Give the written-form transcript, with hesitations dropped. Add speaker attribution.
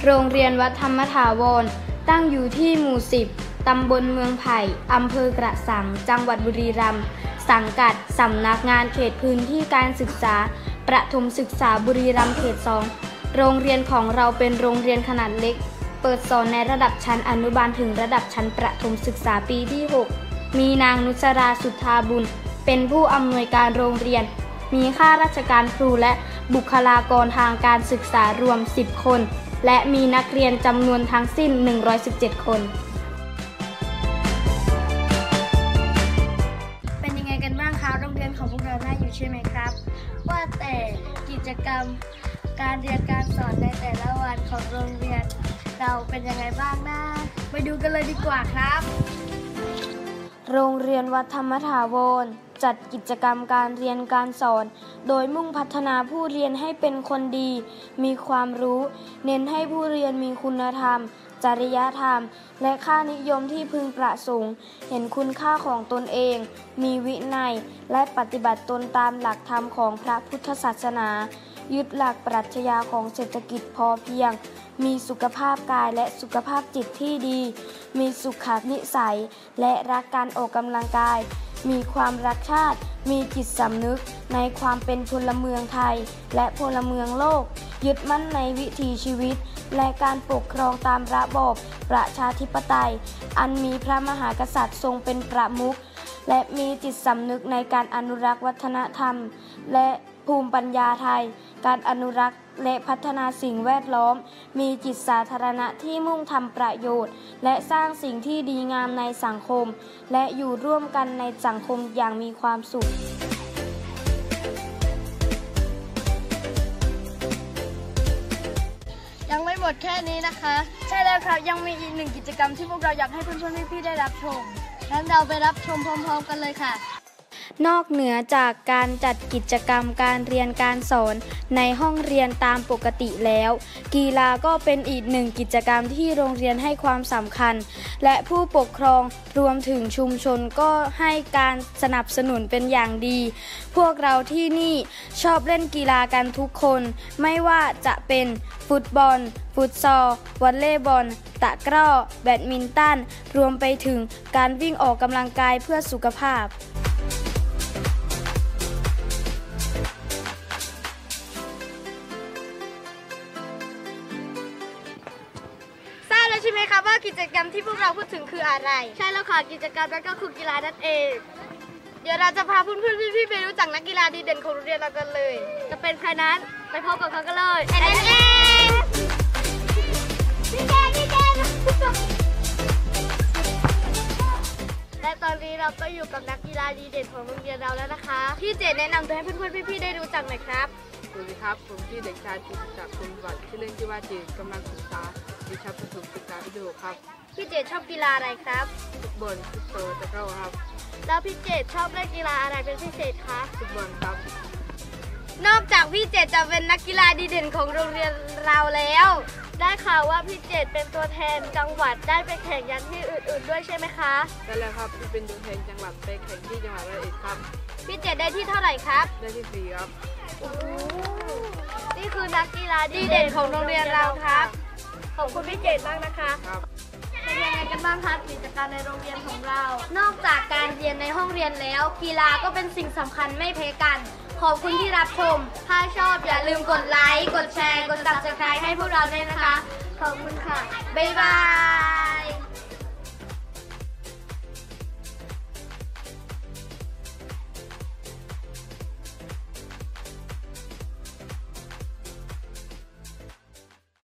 Speaker 1: โรงเรียนวัดธรรมถาวรตั้งอยู่ที่หมู่10ตำบลเมืองไผ่อำเภอกระสังจังหวัดบุรีรัมย์สังกัดสำนักงานเขตพื้นที่การศึกษาประถมศึกษาบุรีรัมย์เขต2โรงเรียนของเราเป็นโรงเรียนขนาดเล็กเปิดสอนในระดับชั้นอนุบาลถึงระดับชั้นประถมศึกษาปีที่6มีนางนุชราสุทธาบุญเป็นผู้อำนวยการโรงเรียนมีข้าราชการครูและบุคลากรทางการศึกษารวม10คนและมีนักเรียนจำนวนทั้งสิ้น117คนเป็นยังไงกันบ้างคะโรงเรียนของพวกเราน่าอยู่ใช่ไหมครับว่าแต่กิจกรรมการเรียนการสอนในแต่ละวันของโรงเรียนเราเป็นยังไงบ้างนะไปดูกันเลยดีกว่าครับโรงเรียนวัดธรรมถาวรจัดกิจกรรมการเรียนการสอนโดยมุ่งพัฒนาผู้เรียนให้เป็นคนดีมีความรู้เน้นให้ผู้เรียนมีคุณธรรมจริยธรรมและค่านิยมที่พึงประสงค์เห็นคุณค่าของตนเองมีวินัยและปฏิบัติตนตามหลักธรรมของพระพุทธศาสนายึดหลักปรัชญาของเศรษฐกิจพอเพียงมีสุขภาพกายและสุขภาพจิตที่ดีมีสุขนิสัยและรักการออกกำลังกายมีความรักชาติมีจิตสำนึกในความเป็นพลเมืองไทยและพลเมืองโลกยึดมั่นในวิถีชีวิตและการปกครองตามระบอบประชาธิปไตยอันมีพระมหากษัตริย์ทรงเป็นประมุขและมีจิตสำนึกในการอนุรักษ์วัฒนธรรมและภูมิปัญญาไทยการอนุรักษ์และพัฒนาสิ่งแวดล้อมมีจิตสาธารณะที่มุ่งทำประโยชน์และสร้างสิ่งที่ดีงามในสังคมและอยู่ร่วมกันในสังคมอย่างมีความสุขยังไม่หมดแค่นี้นะคะใช่แล้วครับยังมีอีกหนึ่งกิจกรรมที่พวกเราอยากให้เพื่อนๆพี่ๆได้รับชมงั้นเราไปรับชมพร้อมๆกันเลยค่ะนอกเหนือจากการจัดกิจกรรมการเรียนการสอนในห้องเรียนตามปกติแล้วกีฬาก็เป็นอีกหนึ่งกิจกรรมที่โรงเรียนให้ความสำคัญและผู้ปกครองรวมถึงชุมชนก็ให้การสนับสนุนเป็นอย่างดีพวกเราที่นี่ชอบเล่นกีฬากันทุกคนไม่ว่าจะเป็นฟุตบอลฟุตซอลวอลเลย์บอลตะกร้อแบดมินตันรวมไปถึงการวิ่งออกกำลังกายเพื่อสุขภาพใช่ไหมคะว่ากิจกรรมที่พวกเราพูดถึงคืออะไรใช่แล้วค่ะกิจกรรมนั้นก็คือกีฬานั่นเองเดี๋ยวเราจะพาเพื่อนๆพี่ๆไปรู้จักนักกีฬาดีเด่นของโรงเรียนเรากันเลยจะเป็นใครนั้นไปพบกับเขากันเลยเองและตอนนี้เราก็อยู่กับนักกีฬาดีเด่นของโรงเรียนเราแล้วนะคะพี่เจแนะนำตัวให้เพื่อนๆพี่ๆได้รู้จักหน่อยครับ
Speaker 2: สวัสดีครับผมชื่อเด็กชายจิตศักดิ์คุณวัฒน์ชื่อเล่นชื่อว่าเจกำลังศึกษาวิชาประถมศึกษาปีที่6ครับ
Speaker 1: พี่เจชอบกีฬาอะไรครับ
Speaker 2: ฟุตบอลฟุตซอลตะกร้อครับ
Speaker 1: แล้วพี่เจชอบเล่นกีฬาอะไรเป็นพิเศษคะ
Speaker 2: ฟุตบอลครับ
Speaker 1: นอกจากพี่เจจะเป็นนักกีฬาดีเด่นของโรงเรียนเราแล้วได้ข่าวว่าพี่เจเป็นตัวแทนจังหวัดได้ไปแข่งยันที่อื่นๆด้วยใช่ไหมคะ
Speaker 2: ใช่แล้วครับที่เป็นตัวแทนจังหวัดไปแข่งที่จังหวัดร้อยเอ็ดครับ
Speaker 1: พี่เจได้ที่เท่าไหร่ครับ
Speaker 2: ได้ที่4ครับ
Speaker 1: นี่คือนักกีฬาดีเด่นของโรงเรียนเราครับขอบคุณพี่เจมากนะคะเป็นยังไงกันบ้างคะกิจกรรมในโรงเรียนของเรานอกจากการเรียนในห้องเรียนแล้วกีฬาก็เป็นสิ่งสำคัญไม่แพ้กันขอบคุณที่รับชมถ้าชอบอย่าลืมกดไลค์กดแชร์กด Subscribe ให้พวกเราด้วยนะคะขอบคุณค่ะบ๊ายบาย